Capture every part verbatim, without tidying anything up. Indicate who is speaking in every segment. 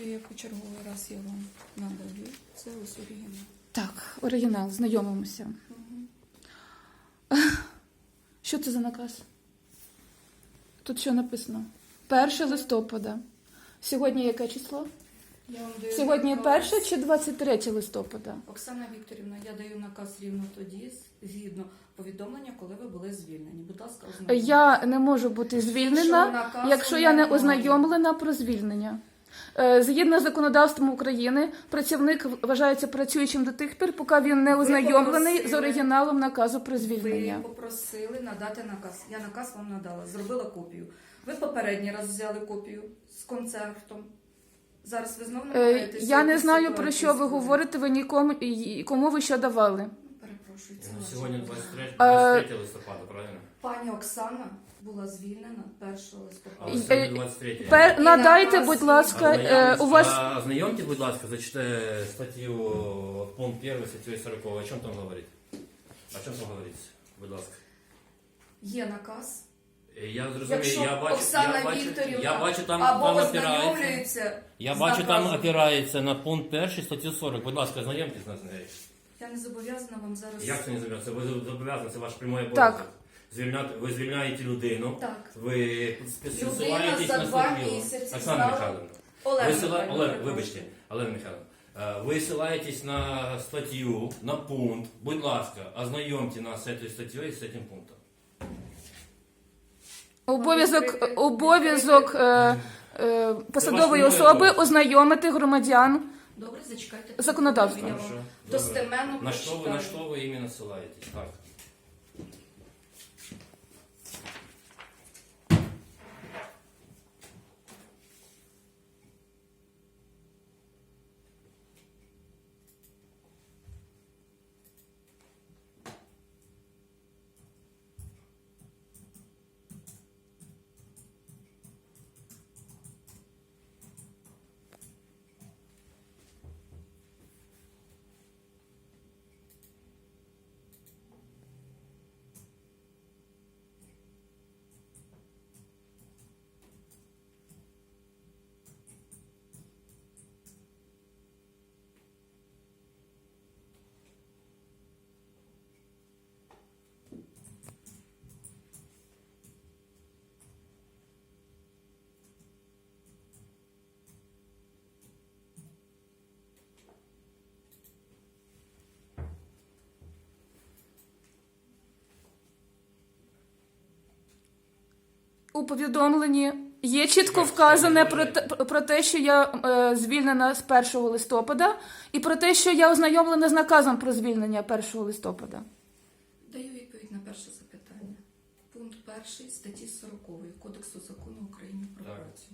Speaker 1: Можете, я почерговий раз я вам надаю. Це ось оригінал.
Speaker 2: Так, оригінал, знайомимося.
Speaker 1: Угу.
Speaker 2: Що це за наказ? Тут що написано? перше листопада. Сьогодні яке число?
Speaker 1: Я вам даю
Speaker 2: Сьогодні
Speaker 1: наказ.
Speaker 2: перше чи двадцять третє листопада?
Speaker 1: Оксана Вікторівна, я даю наказ рівно тоді, згідно повідомлення, коли ви були звільнені. Будь ласка, ознайомтесь.
Speaker 2: Я не можу бути звільнена,
Speaker 1: наказу
Speaker 2: якщо я не
Speaker 1: немає.
Speaker 2: ознайомлена про звільнення. Е, Згідно з законодавством України, працівник вважається працюючим до тих пір, поки він не
Speaker 1: Ви
Speaker 2: ознайомлений
Speaker 1: попросили-
Speaker 2: з оригіналом наказу про звільнення.
Speaker 1: Ви попросили надати наказ. Я наказ вам надала, зробила копію. Ви попередній раз взяли копію з концертом. Зараз ви знову
Speaker 2: Е,
Speaker 1: намагаєтеся...
Speaker 2: Я не
Speaker 1: якусь
Speaker 2: знаю,
Speaker 1: ситуацію
Speaker 2: про що ви
Speaker 1: створити.
Speaker 2: говорите, ви нікому, і кому ви що давали.
Speaker 1: Перепрошую, це
Speaker 3: Ну,
Speaker 1: ваша
Speaker 3: Сьогодні
Speaker 1: проблема.
Speaker 3: двадцять третє листопада, правильно?
Speaker 1: Пані Оксана була звільнена першого листопада.
Speaker 3: А
Speaker 2: І-
Speaker 3: сьогодні
Speaker 2: е,
Speaker 3: двадцять третє.
Speaker 2: Пер,
Speaker 1: І
Speaker 2: надайте,
Speaker 1: наказ,
Speaker 2: будь
Speaker 1: і-
Speaker 2: ласка, е, у вас...
Speaker 3: А, Ознайомьте, будь ласка, зачитайте статтю пункт перший, статтю сорок. О чому там говорить? О чому там говориться? Будь ласка.
Speaker 1: Є наказ.
Speaker 3: Я зрозумів,
Speaker 1: Якщо
Speaker 3: я бачу,
Speaker 1: Оксана
Speaker 3: я бачу,
Speaker 1: Вікторівна
Speaker 3: я бачу там,
Speaker 1: або
Speaker 3: там опирається.
Speaker 1: ознайомлюється
Speaker 3: Я
Speaker 1: з
Speaker 3: бачу, там
Speaker 1: наказом.
Speaker 3: опирається на пункт перший, статтю сорок. Будь ласка, ознайомтесь нас з нею.
Speaker 1: Я не зобов'язана вам зараз...
Speaker 3: Як це не зобов'язано? Ви зобов'язані, це ваш прямий
Speaker 2: Так.
Speaker 3: обов'язок. Звільняти, ви звільняєте людину,
Speaker 1: Так.
Speaker 3: ви
Speaker 1: Людина
Speaker 3: спосилаєтесь
Speaker 1: за
Speaker 3: на
Speaker 1: два
Speaker 3: статтю.
Speaker 1: місяці
Speaker 3: Оксана
Speaker 1: знала-
Speaker 3: Михайловна.
Speaker 1: Олег
Speaker 3: Ви сила...
Speaker 1: Михайловна,
Speaker 3: Олег,
Speaker 1: перепрошую.
Speaker 3: вибачте, Олег Михайловна. Е, Ви ссилаєтесь на статтю, на пункт. Будь ласка, ознайомте нас з цією статтею і з цим пунктом.
Speaker 2: Обов'язок, обов'язок е, е, посадової
Speaker 3: ваш
Speaker 2: особи
Speaker 3: обов'язок.
Speaker 2: ознайомити громадян.
Speaker 1: Добре, зачекайте.
Speaker 2: Законодавство.
Speaker 1: Я вам
Speaker 3: Хорошо,
Speaker 1: достеменно
Speaker 3: добре. На що ви, на
Speaker 1: прочитаю.
Speaker 3: що ви іменно ссилаєтесь? Так.
Speaker 2: У повідомленні є чітко вказане про те, про те, що я е, звільнена з першого листопада, і про те, що я ознайомлена з наказом про звільнення першого листопада.
Speaker 1: Даю відповідь на перше запитання. Пункт перший статті сорок Кодексу закону України про
Speaker 3: Так.
Speaker 1: працю.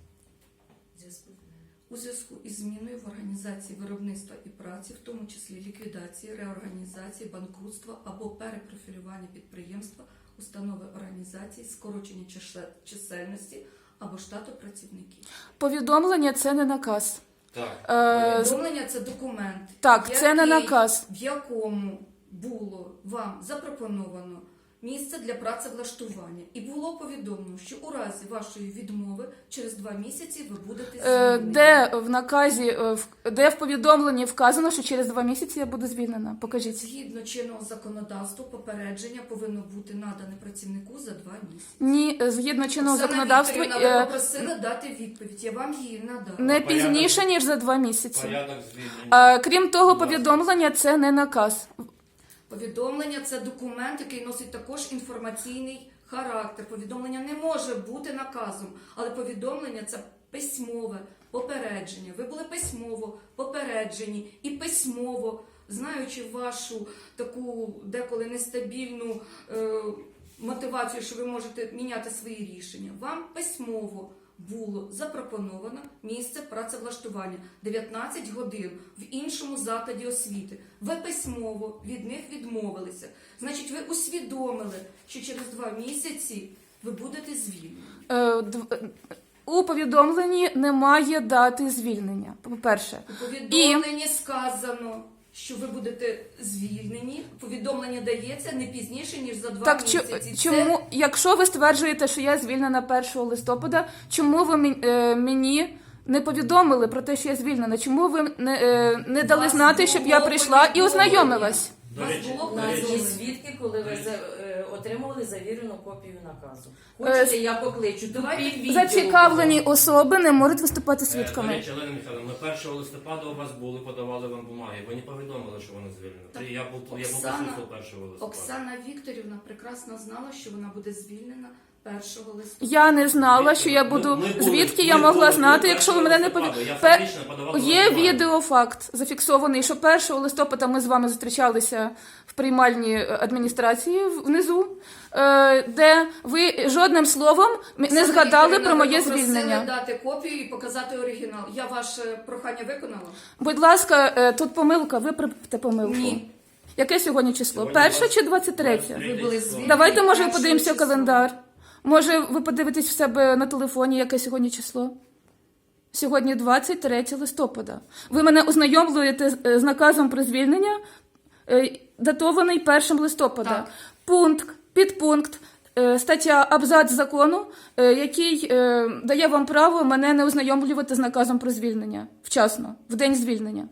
Speaker 1: У зв'язку із зміною в організації виробництва і праці, в тому числі ліквідації, реорганізації, банкрутства або перепрофілювання підприємства, установи організації, скорочення чише- чисельності або штату працівників.
Speaker 2: Повідомлення – це не наказ.
Speaker 3: Так.
Speaker 2: Е, з-
Speaker 1: Повідомлення – це документ,
Speaker 2: Так, це не
Speaker 1: який-
Speaker 2: наказ.
Speaker 1: в якому було вам запропоновано місце для працевлаштування. І було повідомлено, що у разі вашої відмови через два місяці ви будете
Speaker 2: Е,
Speaker 1: звільнені.
Speaker 2: Де в наказі, е, в- де в повідомленні вказано, що через два місяці я буду звільнена? Покажіть.
Speaker 1: Згідно чинного законодавства, попередження повинно бути надане працівнику за два місяці.
Speaker 2: Ні, е, згідно чинного
Speaker 1: Оксана
Speaker 2: законодавства,
Speaker 1: Вікторівна, ви
Speaker 2: е,
Speaker 1: попросили дати відповідь. Я вам її надала.
Speaker 2: не
Speaker 3: Порядок.
Speaker 2: пізніше, ніж за два місяці.
Speaker 3: Порядок звільнення.
Speaker 2: Е, Крім того,
Speaker 3: Будь ласка.
Speaker 2: повідомлення – це не наказ.
Speaker 1: Повідомлення – це документ, який носить також інформаційний характер. Повідомлення не може бути наказом, але повідомлення – це письмове попередження. Ви були письмово попереджені і письмово, знаючи вашу таку деколи нестабільну е, мотивацію, що ви можете міняти свої рішення, вам письмово було запропоновано місце працевлаштування дев'ятнадцять годин в іншому закладі освіти. Ви письмово від них відмовилися. Значить, ви усвідомили, що через два місяці ви будете звільнені.
Speaker 2: Е, дв- е, У повідомленні немає дати звільнення, по-перше.
Speaker 1: У повідомленні сказано, що ви будете звільнені. Повідомлення дається не пізніше, ніж за два
Speaker 2: Так чо-
Speaker 1: місяці.
Speaker 2: чому, якщо ви стверджуєте, що я звільнена першого листопада, чому ви мен- е, мені не повідомили про те, що я звільнена? Чому ви не, е, не дали
Speaker 1: Вас
Speaker 2: знати, щоб я
Speaker 1: було
Speaker 2: прийшла і
Speaker 1: повідомлення.
Speaker 2: ознайомилась?
Speaker 3: До
Speaker 1: Вас
Speaker 3: речі,
Speaker 1: було
Speaker 3: до
Speaker 4: У нас
Speaker 3: речі,
Speaker 4: є свідки, коли ви за- е, отримували завірену копію наказу.
Speaker 2: Е,
Speaker 4: Хочете, я покличу. Тут під відео
Speaker 2: Зацікавлені
Speaker 4: було.
Speaker 2: особи не можуть виступати
Speaker 3: Е, До
Speaker 2: свідками.
Speaker 3: речі, Олена Михайловна, ми першого листопада у вас були, подавали вам бумаги. Ви не повідомили, що вона звільнена.
Speaker 1: Так,
Speaker 3: Я був я був
Speaker 1: Оксана-
Speaker 3: присутствував першого листопада.
Speaker 1: Оксана Вікторівна прекрасно знала, що вона буде звільнена першого листопада.
Speaker 2: Я не знала, що я
Speaker 3: Ми-
Speaker 2: буду.
Speaker 3: ми були-
Speaker 2: Звідки
Speaker 3: ми
Speaker 2: я могла
Speaker 3: були
Speaker 2: знати, якщо ви мене не
Speaker 3: першого
Speaker 2: повідомили?
Speaker 3: листопада. Я фактично подавав
Speaker 2: Є
Speaker 3: вам бумаги.
Speaker 2: відеофакт зафіксований, що першого листопада ми з вами зустрічалися в приймальній адміністрації внизу, е, де ви жодним словом не
Speaker 1: Оксана
Speaker 2: згадали
Speaker 1: Вікторівна,
Speaker 2: про
Speaker 1: ви
Speaker 2: моє
Speaker 1: попросили
Speaker 2: звільнення.
Speaker 1: дати копію і показати оригінал. Я ваше прохання виконала?
Speaker 2: Будь ласка, е, тут помилка, виправте помилку.
Speaker 1: Ні.
Speaker 2: Яке сьогодні число?
Speaker 3: Сьогодні
Speaker 2: Перше
Speaker 3: двадцять-
Speaker 2: чи двадцять третє?
Speaker 3: двадцять третє
Speaker 1: Ви були
Speaker 3: число.
Speaker 1: звільнені.
Speaker 2: Давайте, може,
Speaker 1: першого
Speaker 2: подивимося
Speaker 1: числа.
Speaker 2: календар. Може, ви подивитесь в себе на телефоні, яке сьогодні число? Сьогодні двадцять третє листопада. Ви мене ознайомлюєте з- е, з наказом про звільнення, е, датований першим листопада.
Speaker 1: Так.
Speaker 2: Пункт, підпункт, е, стаття, абзац закону, е, який е, дає вам право мене не ознайомлювати з наказом про звільнення вчасно, в день звільнення.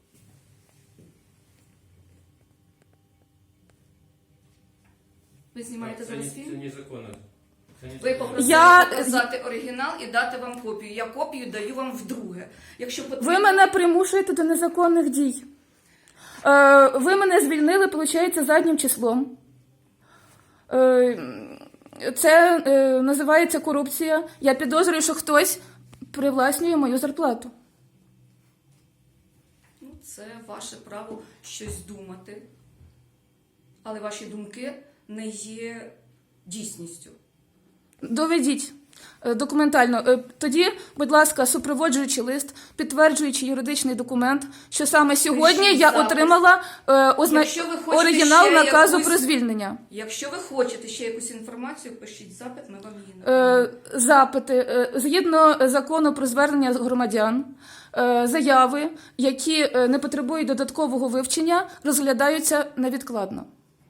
Speaker 1: Ви знімаєте
Speaker 3: Це не-
Speaker 1: зараз
Speaker 3: Це
Speaker 1: фільм?
Speaker 3: незаконно. Це
Speaker 1: Ви
Speaker 3: незаконно.
Speaker 1: попросили
Speaker 2: Я-
Speaker 1: показати оригінал і дати вам копію. Я копію даю вам вдруге. Якщо потрібно...
Speaker 2: Ви мене примушуєте до незаконних дій. Е, ви мене звільнили, виходить, заднім числом. Е, це е, називається корупція. Я підозрюю, що хтось привласнює мою зарплату.
Speaker 1: Ну, це ваше право щось думати, але ваші думки не є дійсністю.
Speaker 2: Доведіть е, документально. Е, Тоді, будь ласка, супроводжуючи лист, підтверджуючи юридичний документ, що саме сьогодні
Speaker 1: Пишіть
Speaker 2: я
Speaker 1: запис.
Speaker 2: отримала е, озна-
Speaker 1: Якщо ви хочете
Speaker 2: оригінал
Speaker 1: ще
Speaker 2: наказу
Speaker 1: якусь-
Speaker 2: про звільнення.
Speaker 1: Якщо ви хочете ще якусь інформацію, пишіть запит, ми вам її
Speaker 2: Е,
Speaker 1: надамо.
Speaker 2: запити е, згідно закону про звернення громадян, е, заяви, які е, не потребують додаткового вивчення, розглядаються невідкладно.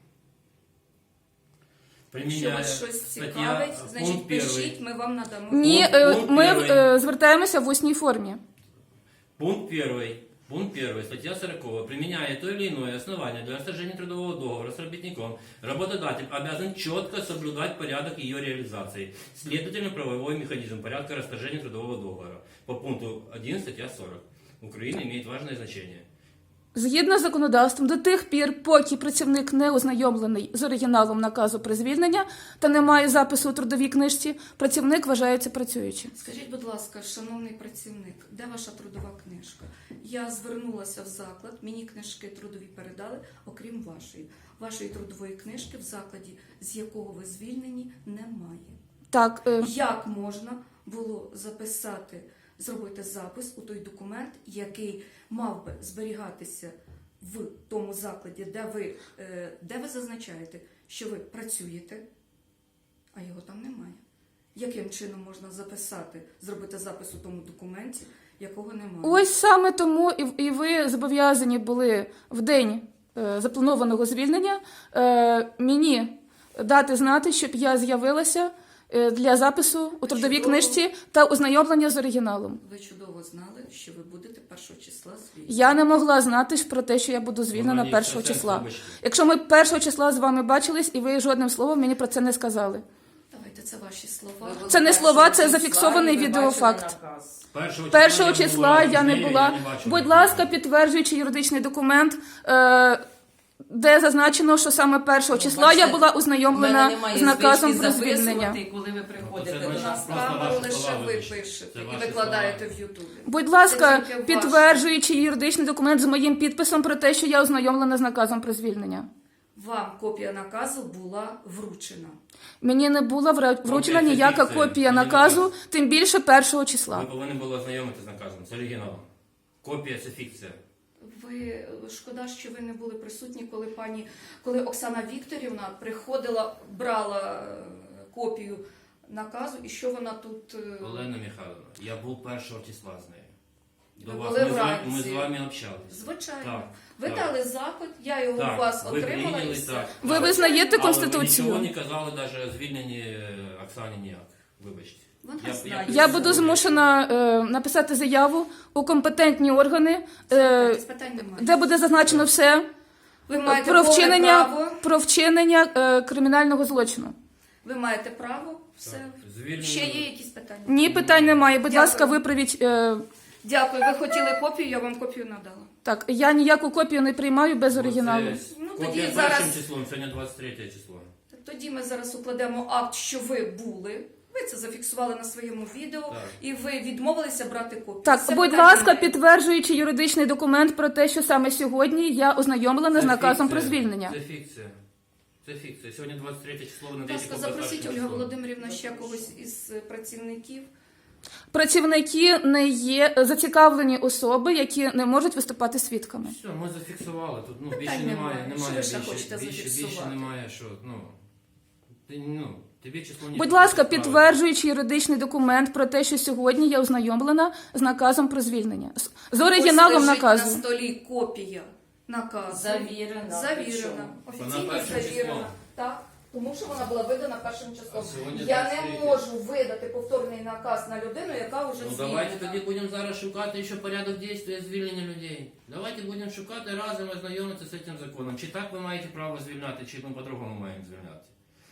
Speaker 1: Якщо
Speaker 3: Приміняє
Speaker 1: вас щось
Speaker 3: стаття,
Speaker 1: цікавить,
Speaker 3: пункт
Speaker 1: значить
Speaker 3: перший.
Speaker 1: пишіть, ми вам надамо.
Speaker 2: Ні,
Speaker 3: Пункт-
Speaker 2: е,
Speaker 3: пункт
Speaker 2: ми
Speaker 3: перший.
Speaker 2: е, звертаємося в усній формі.
Speaker 3: Пункт первый. Пункт первый. Статья сорок. Применяя то или иное основание для расторжения трудового договора с работником, работодатель обязан четко соблюдать порядок ее реализации. Следовательно, правовой механизм порядка расторжения трудового договора. По пункту один статья сорок. Украина имеет важное значение.
Speaker 2: Згідно з законодавством, до тих пір, поки працівник не ознайомлений з оригіналом наказу про звільнення та не має запису у трудовій книжці, працівник вважається працюючим.
Speaker 1: Скажіть, будь ласка, шановний працівник, де ваша трудова книжка? Я звернулася в заклад, мені книжки трудові передали, окрім вашої. Вашої трудової книжки в закладі, з якого ви звільнені, немає.
Speaker 2: Так, е,
Speaker 1: Як можна було записати, зробити запис у той документ, який мав би зберігатися в тому закладі, де ви, е, де ви зазначаєте, що ви працюєте, а його там немає? Яким чином можна записати, зробити запис у тому документі, якого немає?
Speaker 2: ось саме тому і, і ви зобов'язані були в день е, запланованого звільнення е, мені дати знати, щоб я з'явилася е, для запису у трудовій
Speaker 1: Чудово.
Speaker 2: книжці та ознайомлення з оригіналом.
Speaker 1: Ви чудово знали, що ви будете першого числа звільнені.
Speaker 2: Я не могла знати ж про те, що я буду звільнена
Speaker 3: Ну,
Speaker 2: першого
Speaker 3: це
Speaker 2: числа.
Speaker 3: вибачте.
Speaker 2: Якщо ми першого числа з вами бачились, і ви жодним словом мені про це не сказали.
Speaker 1: Давайте, це ваші слова.
Speaker 4: Ви були
Speaker 2: Це не
Speaker 4: першого
Speaker 2: слова, це
Speaker 4: числа,
Speaker 2: зафіксований
Speaker 4: і ви
Speaker 2: відеофакт.
Speaker 4: бачили наказ.
Speaker 3: Першого,
Speaker 2: Першого
Speaker 3: я
Speaker 2: числа я не
Speaker 3: змією,
Speaker 2: була.
Speaker 3: я не бачив
Speaker 2: Будь
Speaker 3: нікого.
Speaker 2: ласка, підтверджуючи юридичний документ, е, де зазначено, що саме першого числа я
Speaker 4: бачите,
Speaker 2: була
Speaker 4: У мене
Speaker 2: ознайомлена
Speaker 4: немає
Speaker 2: з наказом
Speaker 4: звички
Speaker 2: про звільнення.
Speaker 4: записувати, коли ви
Speaker 3: Це
Speaker 4: приходите
Speaker 3: значить,
Speaker 4: до нас.
Speaker 3: просто
Speaker 1: Камеру
Speaker 3: ваші
Speaker 1: лише
Speaker 3: слова
Speaker 1: ви
Speaker 3: вибачте.
Speaker 1: пишете
Speaker 3: Це
Speaker 1: і
Speaker 3: ваші
Speaker 1: викладаєте
Speaker 3: слова.
Speaker 1: в Ютубі.
Speaker 2: Будь ласка,
Speaker 1: Це тільки ваше.
Speaker 2: підтверджуючи юридичний документ з моїм підписом про те, що я ознайомлена з наказом про звільнення.
Speaker 1: Вам копія наказу була вручена.
Speaker 2: Мені не була вра- вручена
Speaker 3: Копія
Speaker 2: ніяка
Speaker 3: фікції.
Speaker 2: копія
Speaker 3: Мені
Speaker 2: наказу,
Speaker 3: наказ.
Speaker 2: тим більше першого
Speaker 3: Ви
Speaker 2: числа.
Speaker 3: повинні були ознайомитися з наказом, з оригіналом. Копія це фікція.
Speaker 1: Ви шкода, що ви не були присутні, коли пані, коли Оксана Вікторівна приходила, брала е, копію наказу, і що вона тут. е,
Speaker 3: Олена Михайловна, я був першого числа з нею. До
Speaker 1: Ви
Speaker 3: вас.
Speaker 1: були
Speaker 3: Ми з, вами,
Speaker 1: вранці.
Speaker 3: ми з вами общалися.
Speaker 1: Звичайно.
Speaker 3: Так,
Speaker 1: Ви
Speaker 3: так.
Speaker 1: дали запит, я його
Speaker 3: Так,
Speaker 1: у вас
Speaker 3: ви
Speaker 1: отримала
Speaker 3: прийняли,
Speaker 1: і все.
Speaker 3: так.
Speaker 2: Ви
Speaker 3: Так.
Speaker 2: визнаєте
Speaker 3: Але ви
Speaker 2: Конституцію?
Speaker 3: нічого не казали навіть звільнені е, Оксані ніяк. Вибачте.
Speaker 1: Вона
Speaker 3: Я-
Speaker 1: знає.
Speaker 2: Я буду змушена е, написати заяву у компетентні органи, е,
Speaker 1: Без питань немає.
Speaker 2: де буде зазначено все
Speaker 1: Ви маєте
Speaker 2: про
Speaker 1: повне
Speaker 2: вчинення,
Speaker 1: право.
Speaker 2: про вчинення е, кримінального злочину.
Speaker 1: Ви маєте право. Все.
Speaker 3: Звільнення-
Speaker 1: Ще є якісь питання?
Speaker 2: Ні, питань немає. Будь
Speaker 1: Дякую.
Speaker 2: ласка, виправіть. Е,
Speaker 1: Дякую. Ви хотіли копію, я вам копію надала.
Speaker 2: так, я ніяку копію не приймаю без оригіналу.
Speaker 3: Оце
Speaker 1: Ну,
Speaker 3: копія
Speaker 1: тоді
Speaker 3: першим
Speaker 1: зараз-
Speaker 3: числом, сьогодні двадцять третє число.
Speaker 1: Тоді ми зараз укладемо акт, що ви були. Ви це зафіксували на своєму відео,
Speaker 3: Так.
Speaker 1: і ви відмовилися брати копію.
Speaker 2: Так,
Speaker 1: Все
Speaker 2: будь
Speaker 1: питання
Speaker 2: ласка,
Speaker 1: немає.
Speaker 2: підтверджуючи юридичний документ про те, що саме сьогодні я ознайомлена з
Speaker 3: Це
Speaker 2: наказом
Speaker 3: фікція.
Speaker 2: про звільнення.
Speaker 3: Це фікція. Це фікція. Сьогодні двадцять третє число, ви
Speaker 1: Будь
Speaker 3: надаєте
Speaker 1: ласка,
Speaker 3: копію
Speaker 1: запросіть
Speaker 3: першим
Speaker 1: Ольга
Speaker 3: числом.
Speaker 1: Володимирівна ще когось із е, працівників.
Speaker 2: Працівники не є зацікавлені особи, які не можуть виступати свідками.
Speaker 3: Все, ми зафіксували. Тут ну,
Speaker 1: Питань
Speaker 3: більше
Speaker 1: немає.
Speaker 3: немає,
Speaker 1: Що
Speaker 3: немає
Speaker 1: ви ще
Speaker 3: більше,
Speaker 1: хочете
Speaker 3: більше, більше
Speaker 1: зафіксувати?
Speaker 3: немає, що, ну, ти, ну, тобі число не
Speaker 2: Будь ласка, підтверджуючи юридичний документ про те, що сьогодні я ознайомлена з наказом про звільнення. З- З оригіналом
Speaker 1: Ось лежить
Speaker 2: наказу.
Speaker 1: на столі копія наказу.
Speaker 4: Завірена.
Speaker 1: Завірена.
Speaker 4: Причому?
Speaker 1: Офіційно
Speaker 3: Вона першим
Speaker 1: завірена.
Speaker 3: числом.
Speaker 1: Так. Тому що вона була видана першим числом.
Speaker 3: А сьогодні
Speaker 1: Я
Speaker 3: двадцять
Speaker 1: не
Speaker 3: третє.
Speaker 1: можу видати повторний наказ на людину, яка вже
Speaker 3: Ну
Speaker 1: звільнена.
Speaker 3: давайте тоді будемо зараз шукати ще порядок дії звільнення людей. Давайте будемо шукати разом ознайомитися з цим законом. Чи так ви маєте право звільняти, чи ми по-другому маємо звільняти.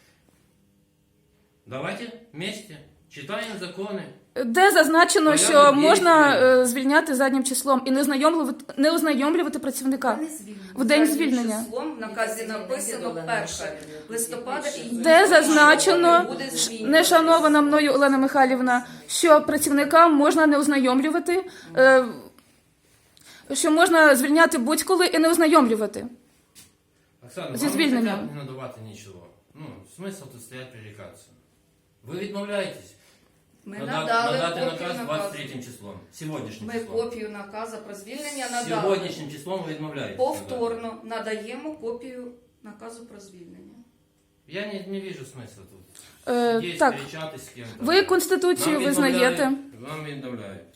Speaker 3: Давайте вместе читаємо закони.
Speaker 2: Де зазначено,
Speaker 3: Порядок
Speaker 2: що
Speaker 3: дій
Speaker 2: можна
Speaker 3: звільнення.
Speaker 2: е, звільняти заднім числом і не ознайомлювати, не ознайомлювати працівника.
Speaker 1: Не звільнена.
Speaker 2: В день
Speaker 1: Заднім
Speaker 2: звільнення.
Speaker 1: числом в наказі написано перше листопада. і
Speaker 2: Де
Speaker 1: ніхто
Speaker 2: зазначено,
Speaker 1: не буде звільнений.
Speaker 2: не шанована мною Олена Михайлівна, що працівникам можна не ознайомлювати, е, що можна звільняти будь-коли і не ознайомлювати.
Speaker 3: Оксана,
Speaker 2: Зі
Speaker 3: вам
Speaker 2: звільненням.
Speaker 3: не хотять не надавати нічого. Ну, смисл тут стоять прерікатися. Ви відмовляєтесь
Speaker 1: Ми
Speaker 3: нада-
Speaker 1: надали
Speaker 3: надати
Speaker 1: копію
Speaker 3: наказ
Speaker 1: наказу.
Speaker 3: двадцять третім числом. Сьогоднішнім
Speaker 1: Ми
Speaker 3: числом.
Speaker 1: копію наказу про звільнення надали.
Speaker 3: Сьогоднішнім числом ви відмовляєтесь.
Speaker 1: Повторно надаємо копію наказу про звільнення.
Speaker 3: Я не, не вижу смисла тут.
Speaker 2: Е,
Speaker 3: Є
Speaker 2: так,
Speaker 3: сперечатись з ким-то.
Speaker 2: ви Конституцію
Speaker 3: Нам
Speaker 2: визнаєте.
Speaker 3: відмовляють, Вам відмовляють.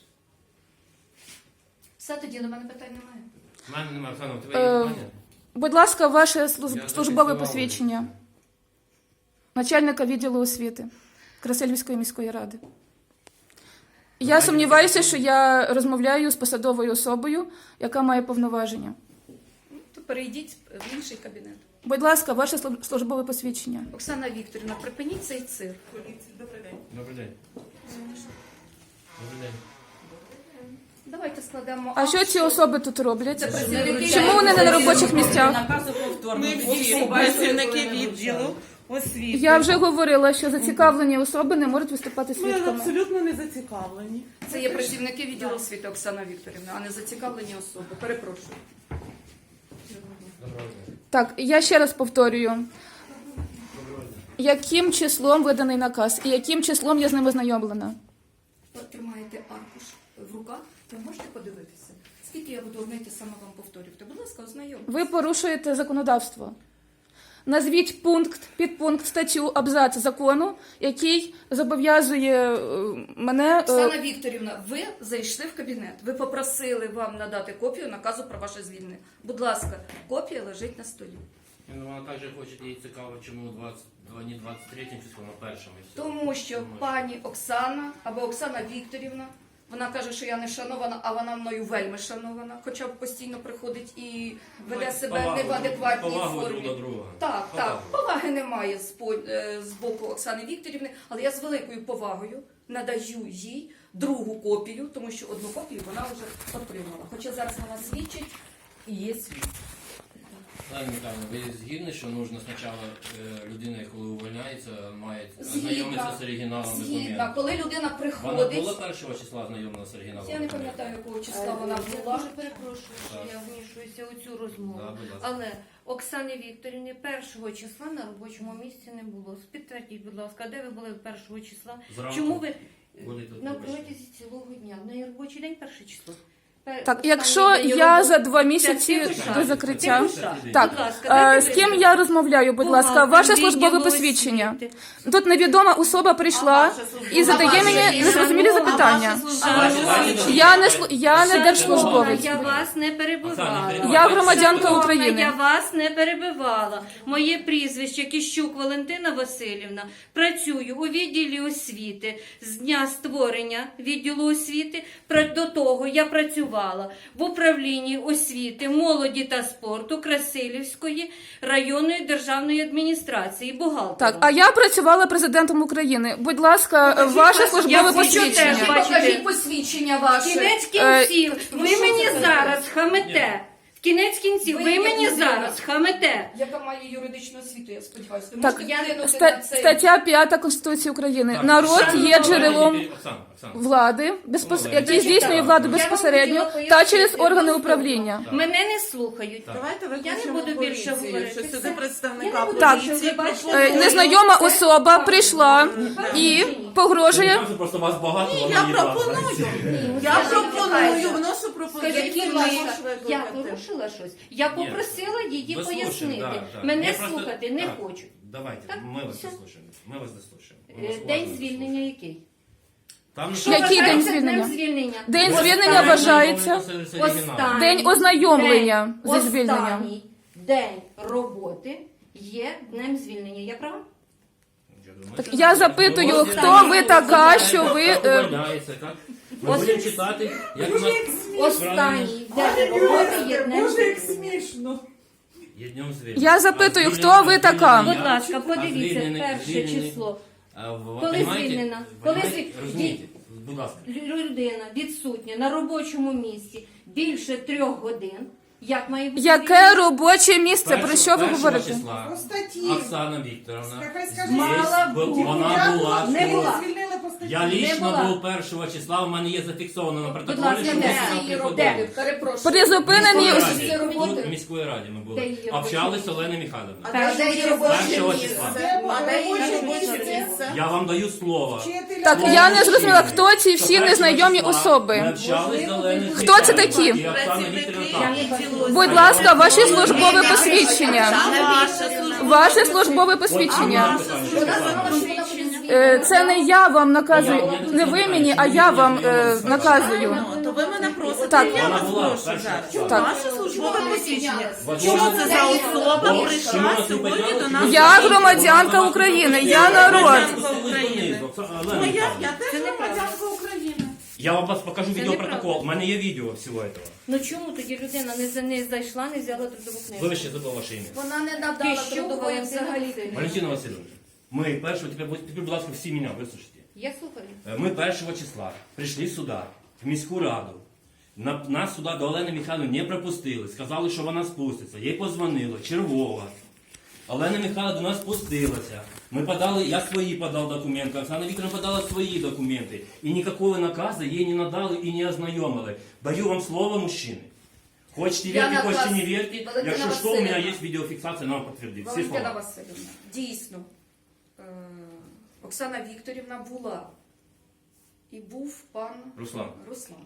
Speaker 1: Все, тоді до мене питань немає.
Speaker 3: У мене немає, Оксана, у тебе є
Speaker 2: Е,
Speaker 3: питання?
Speaker 2: Будь ласка, ваше служ-
Speaker 3: Я
Speaker 2: службове
Speaker 3: зафіксував.
Speaker 2: посвідчення начальника відділу освіти Красильівської міської ради. Я
Speaker 3: Давайте
Speaker 2: сумніваюся,
Speaker 3: таке.
Speaker 2: що я розмовляю з посадовою особою, яка має повноваження.
Speaker 1: Ну, то перейдіть в інший кабінет.
Speaker 2: Будь ласка, ваше служб- службове посвідчення.
Speaker 1: Оксана Вікторівна, припиніть цей цирк.
Speaker 3: Добрий день. Добрий день.
Speaker 1: Давайте складемо.
Speaker 2: А що ці особи тут роблять?
Speaker 1: Це працівники
Speaker 2: Чому вони не на робочих місцях?
Speaker 4: Наказу повторно.
Speaker 5: Ми
Speaker 4: Всі
Speaker 5: всі
Speaker 4: бачили,
Speaker 5: працівники
Speaker 4: коли не
Speaker 5: відділу освіти.
Speaker 2: Я вже говорила, що зацікавлені особи не можуть виступати
Speaker 5: Ми
Speaker 2: свідками.
Speaker 5: абсолютно не зацікавлені.
Speaker 1: Це є працівники відділу освіти Оксана Вікторівна, а не зацікавлені особи. Перепрошую.
Speaker 3: Доброго дня.
Speaker 2: Так, я ще раз повторюю. Яким числом виданий наказ і яким числом я з ним ознайомлена?
Speaker 1: Ви тримаєте аркуш в руках, ви можете подивитися. Скільки я буду одне й те саме вам повторювати? Будь ласка, ознайомтеся.
Speaker 2: Ви порушуєте законодавство. Назвіть пункт, підпункт, статтю, абзац закону, який зобов'язує е, мене. е,
Speaker 1: Оксана Вікторівна, ви зайшли в кабінет. Ви попросили вам надати копію наказу про ваше звільнення. Будь ласка, копія лежить на столі.
Speaker 3: Ну, вона також хоче, їй цікаво, чому двадцять, не двадцять третім числом, а першим. і все.
Speaker 1: Тому що
Speaker 3: Тому
Speaker 1: пані Оксана або Оксана Вікторівна, вона каже, що я не шанована, а вона мною вельми шанована, хоча б постійно приходить і веде
Speaker 3: Давайте
Speaker 1: себе
Speaker 3: повагу,
Speaker 1: не в адекватній
Speaker 3: повагу
Speaker 1: формі.
Speaker 3: друг до друга.
Speaker 1: Так,
Speaker 3: Повагу.
Speaker 1: так, поваги немає з, по- е, з боку Оксани Вікторівни, але я з великою повагою надаю їй другу копію, тому що одну копію вона вже отримала. Хоча зараз вона свідчить і є свідчить.
Speaker 3: Ладно, Михайло, ви згідні, що нужно спочатку е, людина, коли увольняється, має
Speaker 1: Згідна.
Speaker 3: ознайомитися з оригіналом
Speaker 1: Згідно,
Speaker 3: документу.
Speaker 1: коли людина
Speaker 3: Вона
Speaker 1: приходить,
Speaker 3: була першого числа ознайомлена з оригіналом
Speaker 1: я не
Speaker 3: документу?
Speaker 1: пам'ятаю, якого числа
Speaker 6: Е,
Speaker 1: вона
Speaker 6: Я
Speaker 1: була.
Speaker 6: дуже перепрошую, що
Speaker 3: Так.
Speaker 6: я вмішуюся у цю розмову.
Speaker 3: Да, будь ласка.
Speaker 6: Але Оксани Вікторівни першого числа на робочому місці не було. Підтвердіть, будь ласка, де ви були першого числа?
Speaker 3: Зранку
Speaker 6: Чому ви
Speaker 3: були тут,
Speaker 6: на
Speaker 3: вибачте.
Speaker 6: протязі цілого дня? В неї робочий день перше число. Пер-
Speaker 2: Так,
Speaker 6: останній
Speaker 2: якщо
Speaker 6: день
Speaker 2: я
Speaker 6: роботи.
Speaker 2: за два
Speaker 6: Це
Speaker 2: місяці
Speaker 6: Тихуша.
Speaker 2: до закриття.
Speaker 6: Тихуша.
Speaker 2: Так,
Speaker 6: Будь ласка,
Speaker 2: е,
Speaker 6: дайте
Speaker 2: з ким
Speaker 6: прізвище.
Speaker 2: я розмовляю, будь ласка,
Speaker 6: Бухгалтер
Speaker 2: ваше службове
Speaker 6: відділу
Speaker 2: посвідчення.
Speaker 6: освіти.
Speaker 2: Тут невідома особа прийшла і задає мені незрозумілі запитання. Я не шлу- я не держслужбовець.
Speaker 6: Я вас не перебивала.
Speaker 2: Я громадянка
Speaker 6: Шановна,
Speaker 2: України.
Speaker 6: Я вас не перебивала. Моє прізвище Кіщук Валентина Васильівна. Працюю у відділі освіти з дня створення відділу освіти. Пра- До того я працювала в управлінні освіти, молоді та спорту Красилівської районної державної адміністрації. Бухгалтером.
Speaker 2: Так, а я працювала президентом України. Будь ласка, ваше
Speaker 6: Я
Speaker 2: службове
Speaker 6: хочу
Speaker 2: посвідчення.
Speaker 6: теж бачити.
Speaker 1: Покажіть посвідчення ваше.
Speaker 6: Кінець
Speaker 2: Е,
Speaker 6: кінців, ви
Speaker 1: що
Speaker 6: мені
Speaker 1: це таке?
Speaker 6: зараз хамете. В кінець кінців,
Speaker 1: Ви
Speaker 6: ви
Speaker 1: як
Speaker 6: мені
Speaker 1: людина.
Speaker 6: зараз хамете.
Speaker 1: Яка має юридичну освіту, я сподіваюся. Ви
Speaker 2: Так,
Speaker 1: можете вплинути на
Speaker 2: ста-
Speaker 1: цей-
Speaker 2: стаття п'ята Конституції України.
Speaker 3: Так,
Speaker 2: Народ
Speaker 3: Оксана,
Speaker 2: є джерелом
Speaker 3: Оксана, Оксана.
Speaker 2: влади, безпос...
Speaker 3: Ну,
Speaker 2: який
Speaker 3: я
Speaker 2: здійснює
Speaker 3: читала.
Speaker 2: владу
Speaker 6: Я вам
Speaker 2: безпосередньо
Speaker 6: хотіла
Speaker 2: та через
Speaker 6: пояснити
Speaker 2: органи
Speaker 6: доступно.
Speaker 2: управління.
Speaker 6: Мене не слухають.
Speaker 5: Давайте
Speaker 6: Я не
Speaker 5: викличемо
Speaker 6: буду більше
Speaker 5: поліцію,
Speaker 6: говорити.
Speaker 5: що сюди
Speaker 6: Все.
Speaker 5: представника
Speaker 6: Я не буду
Speaker 2: Так.
Speaker 5: поліції.
Speaker 6: більше, ви бачите.
Speaker 2: Е,
Speaker 5: пропоную.
Speaker 2: Незнайома особа прийшла і погрожує.
Speaker 3: Я кажу, просто вас багато,
Speaker 5: Ні,
Speaker 3: воно
Speaker 5: я
Speaker 3: не
Speaker 5: пропоную.
Speaker 3: влазить.
Speaker 5: Я
Speaker 6: Скажіть,
Speaker 5: пропоную,
Speaker 6: Михайло,
Speaker 5: вношу пропозицію.
Speaker 6: Скажіть,
Speaker 5: можеш
Speaker 6: будь ласка,
Speaker 5: викликати.
Speaker 6: я порушила щось. Я попросила її
Speaker 3: Вы
Speaker 6: пояснити.
Speaker 3: слушаем, да, да.
Speaker 6: Мене
Speaker 3: Я просто-
Speaker 6: слухати не
Speaker 3: так,
Speaker 6: хочу.
Speaker 3: Давайте,
Speaker 6: Так,
Speaker 3: ми вас
Speaker 6: все.
Speaker 3: заслушаємо. Ми вас заслушаємо. Ми
Speaker 6: Е,
Speaker 3: вас
Speaker 6: День
Speaker 3: уважно
Speaker 6: звільнення
Speaker 3: заслушаємо.
Speaker 6: який?
Speaker 3: Там
Speaker 6: Що
Speaker 2: Який день
Speaker 6: вважається
Speaker 2: звільнення?
Speaker 6: днем звільнення?
Speaker 2: День
Speaker 6: Останній-
Speaker 2: звільнення вважається
Speaker 6: Останній
Speaker 2: день ознайомлення
Speaker 6: день-
Speaker 2: зі звільненням.
Speaker 6: Останній день роботи є днем звільнення. Я права?
Speaker 2: Так я запитую, хто ви така, що ви, е,
Speaker 3: Ми будемо читати, як у нас
Speaker 6: Останній день роботи є днем звільнення.
Speaker 5: смішно.
Speaker 3: є днем звільнення.
Speaker 2: Я запитую,
Speaker 3: А
Speaker 2: хто
Speaker 3: звільнення-
Speaker 2: ви така?
Speaker 3: звільнення-
Speaker 6: Будь ласка,
Speaker 3: а
Speaker 6: подивіться
Speaker 3: звільнений-
Speaker 6: перше
Speaker 3: звільнений-
Speaker 6: число.
Speaker 3: А, ви
Speaker 6: Коли
Speaker 3: понімаєте?
Speaker 6: звільнена? Коли
Speaker 3: Понімаєте?
Speaker 6: звіль-
Speaker 3: Розумієте? Будь ласка.
Speaker 6: Лю- Людина відсутня на робочому місці більше трьох годин. Як має бути
Speaker 2: Яке
Speaker 6: звільнення?
Speaker 2: робоче місце? Про що ви
Speaker 3: Першого
Speaker 2: говорите?
Speaker 3: числа
Speaker 7: По статті.
Speaker 3: Оксана Вікторовна.
Speaker 7: Нехай скаже,
Speaker 3: здесь
Speaker 6: Мала
Speaker 3: бу-
Speaker 6: бути.
Speaker 3: Вона була.
Speaker 6: Не була.
Speaker 7: звільнили по статті.
Speaker 3: Я лічно
Speaker 6: була.
Speaker 3: був першого числа, у мене є зафіксовано на протоколі,
Speaker 6: ласка,
Speaker 3: що ми
Speaker 6: де?
Speaker 3: сюди
Speaker 1: Її
Speaker 3: приходили.
Speaker 1: роботи. Перепрошую.
Speaker 2: При зупиненні
Speaker 3: Міської
Speaker 2: ос-
Speaker 1: Всі
Speaker 3: раді.
Speaker 1: роботи.
Speaker 3: Тут в міської раді ми
Speaker 6: Де
Speaker 3: були.
Speaker 6: її
Speaker 3: Общались з
Speaker 6: робочі?
Speaker 3: Оленою Михайловною.
Speaker 7: А
Speaker 6: Першого
Speaker 7: де її
Speaker 6: числа.
Speaker 7: робоче
Speaker 3: Першого
Speaker 7: місце?
Speaker 3: числа.
Speaker 7: Де було
Speaker 5: А де її
Speaker 7: робоче
Speaker 5: робоче
Speaker 7: місце?
Speaker 5: місце?
Speaker 3: Я вам даю слово.
Speaker 7: Вчителя.
Speaker 2: Так, я не зрозуміла, хто ці всі
Speaker 3: Першого
Speaker 2: незнайомі
Speaker 3: числа Ми
Speaker 2: особи.
Speaker 3: общались з Оленою
Speaker 2: Хто це
Speaker 3: Михайлівною.
Speaker 2: такі?
Speaker 3: І Оксана Вікторівна так.
Speaker 2: Будь ласка, ваше службове посвідчення.
Speaker 5: Саме ваше службове
Speaker 2: Ваше службове посвідчення.
Speaker 1: Вона сказала, що вона буде звільнена.
Speaker 2: Е, Це не я вам наказую, не ви мені, а я вам е, наказую.
Speaker 5: Ну, то ви мене просите,
Speaker 2: Так.
Speaker 5: я
Speaker 3: Вона
Speaker 5: вас
Speaker 3: була
Speaker 5: прошу
Speaker 3: перша.
Speaker 5: зараз.
Speaker 2: Так.
Speaker 5: Ваше службове посвідчення.
Speaker 3: Возможно,
Speaker 5: Що це за особа
Speaker 3: Бо
Speaker 5: прийшла
Speaker 3: чому ти
Speaker 5: сьогодні
Speaker 3: поділилася?
Speaker 5: до нас?
Speaker 2: Я громадянка України, я народ.
Speaker 5: Громадянка України.
Speaker 3: Оксана
Speaker 5: Ну,
Speaker 3: Олена
Speaker 5: я,
Speaker 3: Михайлівна.
Speaker 5: я теж громадянка України.
Speaker 3: Я вам вас покажу
Speaker 6: Це
Speaker 3: відеопротокол.
Speaker 6: неправда.
Speaker 3: У мене є відео всього цього.
Speaker 6: Ну чому тоді людина не, за- не зайшла, не взяла трудову книжку?
Speaker 3: Вибачте, забув ваше ім'я.
Speaker 1: Вона не надала
Speaker 6: Ти що,
Speaker 1: трудової
Speaker 6: Валентина
Speaker 1: взагалі.
Speaker 6: Васильівна?
Speaker 3: Валентина Васильовна, ми першого, тепер, будь- тепер, будь ласка, всі мене вислухайте.
Speaker 6: Я слухаю.
Speaker 3: Е, Ми першого числа прийшли сюди, в міську раду. На- Нас сюди до Олени Михайлівни не пропустили. Сказали, що вона спуститься. Їй позвонили, чергова. Олена Михайловна до нас спустилася. Ми подали, я свої подав документи, Оксана Вікторовна подала свої документи. І ніякого наказу їй не надали і не ознайомили. Даю вам слово, мужчини. Хочете
Speaker 1: Я
Speaker 3: вірте, хочете
Speaker 1: наказ-
Speaker 3: не вірте.
Speaker 1: Валентина
Speaker 3: Якщо що, у мене
Speaker 1: Васильівна.
Speaker 3: є відеофіксація, нам підтвердить. Всі
Speaker 1: Валентина
Speaker 3: слова.
Speaker 1: Васильівна, дійсно, е, Оксана Вікторівна була. І був пан
Speaker 3: Руслан.
Speaker 1: Руслан.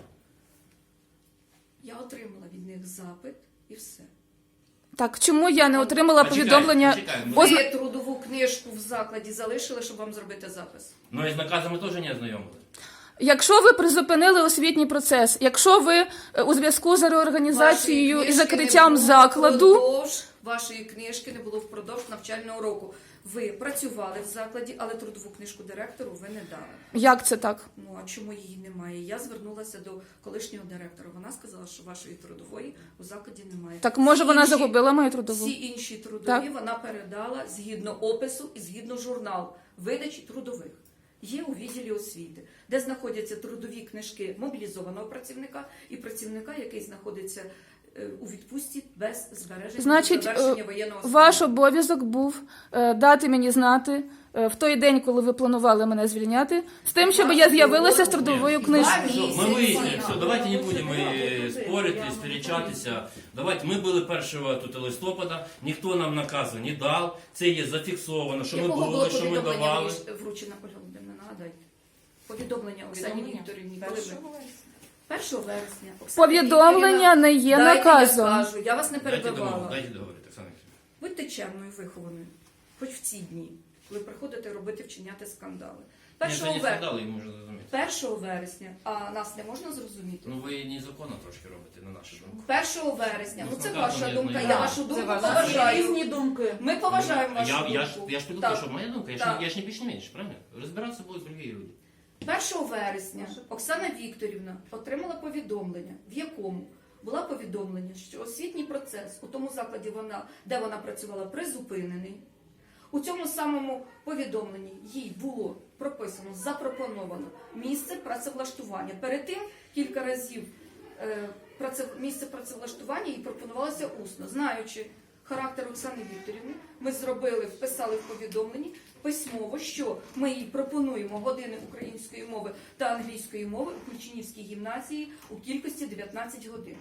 Speaker 1: Я отримала від них запит і все.
Speaker 2: Так, чому я не отримала
Speaker 3: Почекайте,
Speaker 2: повідомлення?
Speaker 3: почекайте.
Speaker 2: Озна-
Speaker 1: Ви трудову книжку в закладі залишили, щоб вам зробити запис.
Speaker 3: Ну і з наказами теж не ознайомили.
Speaker 2: Якщо ви призупинили освітній процес, якщо ви е, у зв'язку з реорганізацією
Speaker 1: Вашої
Speaker 2: і
Speaker 1: книжки
Speaker 2: закриттям
Speaker 1: не було
Speaker 2: закладу,
Speaker 1: впродовж, вашої книжки не було впродовж навчального року. Ви працювали в закладі, але трудову книжку директору ви не дали.
Speaker 2: як це так?
Speaker 1: Ну а чому її немає? Я звернулася до колишнього директора. Вона сказала, що вашої трудової у закладі немає.
Speaker 2: Так може
Speaker 1: Всі
Speaker 2: вона
Speaker 1: інші-
Speaker 2: загубила мою трудову?
Speaker 1: Всі інші трудові
Speaker 2: Так.
Speaker 1: вона передала згідно опису і згідно журнал видачі трудових. Є у відділі освіти, де знаходяться трудові книжки мобілізованого працівника і працівника, який знаходиться е, у відпустці без збереження
Speaker 2: Значить,
Speaker 1: завершення
Speaker 2: е,
Speaker 1: воєнного стану.
Speaker 2: ваш обов'язок був е, дати мені знати е, в той день, коли ви планували мене звільняти, з тим, щоб я з'явилася з трудовою книжкою.
Speaker 3: Все, мы выяснили, все, давайте не будем э, спорить и сперечатися. Давайте, ми були першого тут листопада, ніхто нам наказу не дав, це є зафіксовано, що ми
Speaker 1: Якого було
Speaker 3: були, що ми
Speaker 1: повідомлення
Speaker 3: давали.
Speaker 1: вручено, Ольга Володимирівна, нагадайте? Повідомлення Оксані
Speaker 4: Повідомлення?
Speaker 1: Вікторівні, коли ви? першого вересня Оксана
Speaker 2: Повідомлення
Speaker 1: Вікторівна,
Speaker 2: не є
Speaker 1: дайте
Speaker 2: наказом.
Speaker 1: Я скажу, я вас не
Speaker 3: Дайте
Speaker 1: перебивала.
Speaker 3: договорити, дайте договорити, Оксана Вікторівна.
Speaker 1: Будьте чемною, вихованою, хоч в ці дні, коли приходите робити, вчиняти скандали. Першого,
Speaker 3: Ні, це не
Speaker 1: вер...
Speaker 3: скандали, їм можна зрозуміти.
Speaker 1: першого вересня, а нас не можна зрозуміти.
Speaker 3: Ну ви незаконно трошки робите, на нашу думку.
Speaker 1: Першого вересня, ну це
Speaker 3: Ну,
Speaker 1: ваша
Speaker 3: я
Speaker 1: думка,
Speaker 3: знаю.
Speaker 1: я вашу думку
Speaker 4: ваша.
Speaker 1: поважаю.
Speaker 5: Різні думки.
Speaker 1: Ми поважаємо
Speaker 3: Ну,
Speaker 1: вашу
Speaker 3: я,
Speaker 1: думку.
Speaker 3: я, ж, я ж піду,
Speaker 1: Так.
Speaker 3: що моя думка, я ж,
Speaker 1: Так.
Speaker 3: не- я ж не більше не менше, правильно? Розбиратися будуть другі люди.
Speaker 1: першого вересня Оксана Вікторівна отримала повідомлення, в якому було повідомлення, що освітній процес у тому закладі, вона, де вона працювала, призупинений. У цьому самому повідомленні їй було прописано, запропоновано місце працевлаштування. Перед тим кілька разів е, праце, місце працевлаштування їй пропонувалося усно. Знаючи характер Оксани Вікторівни, ми зробили, вписали в повідомленні письмово, що ми їй пропонуємо години української мови та англійської мови у Ключинівській гімназії у кількості дев'ятнадцять годин.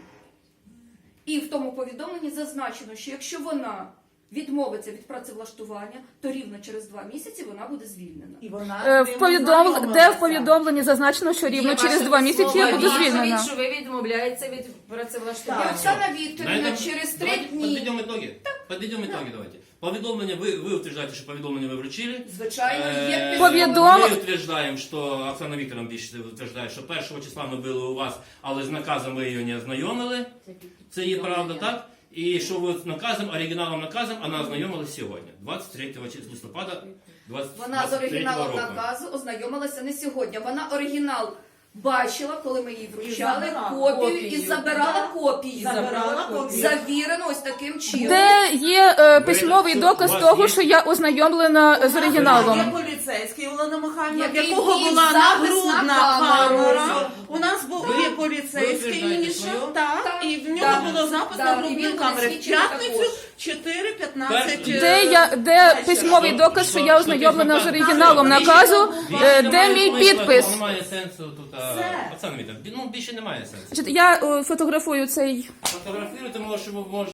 Speaker 1: І в тому повідомленні зазначено, що якщо вона відмовиться від працевлаштування, то рівно через два місяці вона буде звільнена.
Speaker 5: І вона
Speaker 2: Е,
Speaker 5: з
Speaker 2: В
Speaker 5: ним
Speaker 2: повідомл... Де
Speaker 5: ознайомилася.
Speaker 2: в повідомленні зазначено, що рівно
Speaker 4: Є
Speaker 2: через
Speaker 4: ваша
Speaker 2: два місяці я
Speaker 4: письмова
Speaker 2: буду
Speaker 4: відповідь,
Speaker 2: звільнена.
Speaker 4: що ви відмовляєтеся від
Speaker 1: І
Speaker 4: працевлаштування.
Speaker 1: Оксана
Speaker 3: На
Speaker 1: Вікторівна
Speaker 3: этом-
Speaker 1: через три
Speaker 3: давайте
Speaker 1: дні,
Speaker 3: Подведем итоги. Подведем итоги, давайте. Повідомлення, ви, ви утверждаєте, що повідомлення ви вручили.
Speaker 1: звичайно, є
Speaker 3: Е,
Speaker 1: письмо.
Speaker 2: Повідом-
Speaker 3: Ми утверждаємо, що Оксана Вікторовна більше утверждає, що першого числа ми були у вас, але з наказом ви її не ознайомили. Це є правда, так? І що ви з наказом, оригіналом наказом, вона ознайомилася сьогодні, двадцять третього листопада двадцять
Speaker 1: Вона з
Speaker 3: двадцять третього
Speaker 1: оригіналом
Speaker 3: року.
Speaker 1: наказу ознайомилася не сьогодні. Вона оригінал бачила, коли ми їй вручали
Speaker 5: забирала
Speaker 1: копію, і
Speaker 4: копію.
Speaker 1: забирала
Speaker 5: Да.
Speaker 1: копію.
Speaker 5: Забирала копію.
Speaker 1: Завірено ось таким чином.
Speaker 2: Де є е, письмовий
Speaker 3: Ви-
Speaker 2: доказ
Speaker 3: у вас
Speaker 2: того,
Speaker 3: є-
Speaker 2: що я ознайомлена з
Speaker 5: Є
Speaker 2: оригіналом?
Speaker 5: поліцейський Олена Михайлівна, в
Speaker 1: Який
Speaker 5: якого
Speaker 1: вів
Speaker 5: була
Speaker 1: запис
Speaker 5: нагрудна
Speaker 1: на камеру.
Speaker 5: камера. У нас був
Speaker 3: Ви-
Speaker 5: є
Speaker 3: ви
Speaker 5: поліцейський
Speaker 3: утверждаєте
Speaker 5: Міша,
Speaker 3: своє?
Speaker 5: так,
Speaker 1: Так,
Speaker 5: і в нього
Speaker 1: так.
Speaker 5: було запис
Speaker 1: Так,
Speaker 5: на
Speaker 1: і
Speaker 5: грудній
Speaker 1: він буде
Speaker 5: камері. В
Speaker 1: свідчити
Speaker 5: п'ятницю
Speaker 1: також.
Speaker 5: чотири п'ятнадцять.
Speaker 3: Перше.
Speaker 2: Де я де письмовий доказ, що я ознайомлена з оригіналом наказу, е, де мій підпис?
Speaker 3: Немає сенсу тут. а,
Speaker 5: Все.
Speaker 3: Оксана Вікторівна, ну більше немає сенсу.
Speaker 2: Значить, я е, фотографую цей
Speaker 3: Фотографуйте, може, ви можете.